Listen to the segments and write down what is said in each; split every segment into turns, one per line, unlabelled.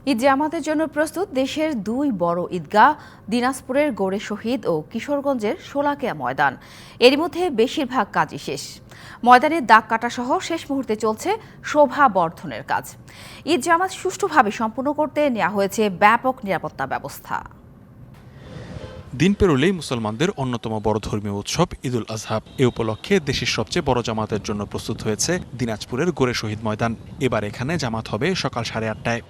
ঈদ জামাতের জন্য প্রস্তুত দেশের দুই বড় ঈদগাহ, দিনাজপুরের গোড়ে শহীদ ও কিশোরগঞ্জের শোলাকিয়া ময়দান। এরই মধ্যে বেশিরভাগ কাজই শেষ। ময়দানের দাগ কাটা সহ শেষ মুহূর্তে চলছে শোভা বর্ধনের কাজ। ঈদ জামাত সুষ্ঠুভাবে সম্পন্ন করতে নেওয়া হয়েছে ব্যাপক নিরাপত্তা ব্যবস্থা।
দিন পেরোলেই মুসলমানদের অন্যতম বড় ধর্মীয় উৎসব ঈদুল আজহা। এ উপলক্ষে দেশের সবচেয়ে বড় জামাতের জন্য প্রস্তুত হয়েছে দিনাজপুরের গোড়ে শহীদ ময়দান। এবার এখানে জামাত হবে সকাল 8:30টায়।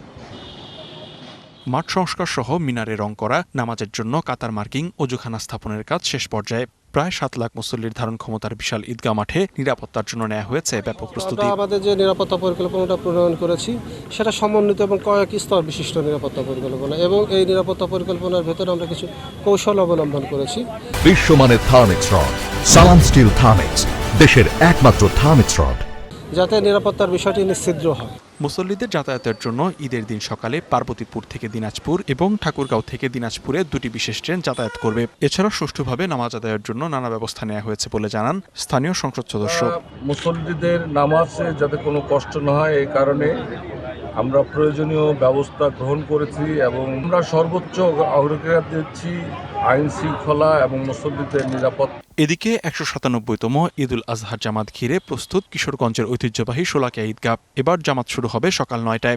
মাঠ সংস্কার সহ মিনারে রং করা, নামাজের জন্য কাতার মার্কিং, অজুখানা স্থাপনের কাজ শেষ পর্যায়ে। প্রায় 7 লাখ মুসল্লির ধারণ ক্ষমতার বিশাল ঈদগাহ মাঠে নিরাপত্তার জন্য নেওয়া হয়েছে ব্যাপক প্রস্তুতি।
আমাদের যে নিরাপত্তা পরিকল্পনাটা প্রণয়ন করেছি সেটা সমন্বিত এবং কয়েক স্তর বিশিষ্ট নিরাপত্তা পরিকল্পনা, এবং এই নিরাপত্তা পরিকল্পনার ভেতরে আমরা কিছু কৌশল অবলম্বন করেছি।
বিশ্বমানের থার্মিক্স রড, সালাম স্টিল থার্মিক্স, দেশের একমাত্র থার্মিক্স রড,
যাতে নিরাপত্তার বিষয়টি নিশ্চিদ্র হয়।
মুসল্লিদের যাতায়াতের জন্য ঈদের দিন সকালে পার্বতীপুর থেকে দিনাজপুর এবং ঠাকুরগাঁও থেকে দিনাজপুরে দুটি বিশেষ ট্রেন যাতায়াত করবে। এছাড়া সুষ্ঠুভাবে নামাজ আদায়ের জন্য নানা ব্যবস্থা নেওয়া হয়েছে বলে জানান স্থানীয় সংসদ সদস্য।
মুসল্লিদের নামাজে যাতে কোনো কষ্ট না হয় এই কারণে আমরা প্রয়োজনীয় ব্যবস্থা গ্রহণ করেছি এবং আমরা সর্বোচ্চ অগ্রাধিকার দিচ্ছি আইন শৃঙ্খলা এবং মুসল্লিদের নিরাপত্তা।
এদিকে 197তম ঈদুল আজহার জামাত ঘিরে প্রস্তুত কিশোরগঞ্জের ঐতিহ্যবাহী শোলাকিয়া ঈদগাহ। এবার জামাত শুরু হবে সকাল 9টায়।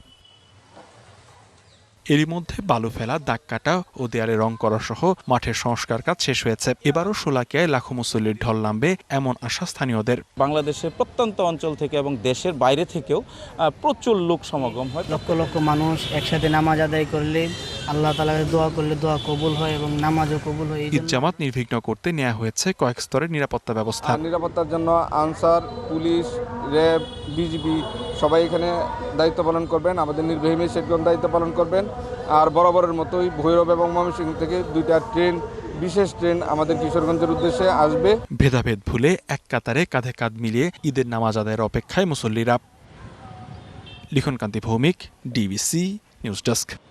এরই মধ্যে বালু ফেলা, দাগ কাটা ও দেয়ালে রং করা সহ মাঠের সংস্কার কাজ শেষ হয়েছে। এবারও শোলাকিয়ায় লাখো মুসল্লির ঢল নামবে এমন আশা স্থানীয়দের।
বাংলাদেশের প্রত্যন্ত অঞ্চল থেকে এবং দেশের বাইরে থেকেও প্রচুর লোক সমাগম হয়।
লক্ষ লক্ষ মানুষ একসাথে নামাজ আদায় করলে আল্লাহ তাআলাকে দোয়া করলে দোয়া কবুল হয় এবং নামাজও কবুল হয়।
ঈদ জামাত নির্বিঘ্ন করতে নেওয়া হয়েছে কয়েক স্তরের নিরাপত্তা ব্যবস্থা।
নিরাপত্তার জন্য আনসার, পুলিশ, র্যাব, বিজিবি সবাই এখানে দায়িত্ব পালন করবেন। আমাদের নির্বাহী ম্যাজিস্ট্রেটগণ দায়িত্ব পালন করবেন। আর বরাবরের মতোই ভৈরব এবং ময়মনসিংহ থেকে 2টা ট্রেন, বিশেষ ট্রেন আমাদের কিশোরগঞ্জের উদ্দেশ্যে আসবে।
ভেদাভেদ ভুলে এক কাতারে কাঁধে কাঁধ মিলিয়ে ঈদের নামাজ আদায়ের অপেক্ষায় মুসল্লিরা। Likhonkanti Bhowmik, DBC news desk.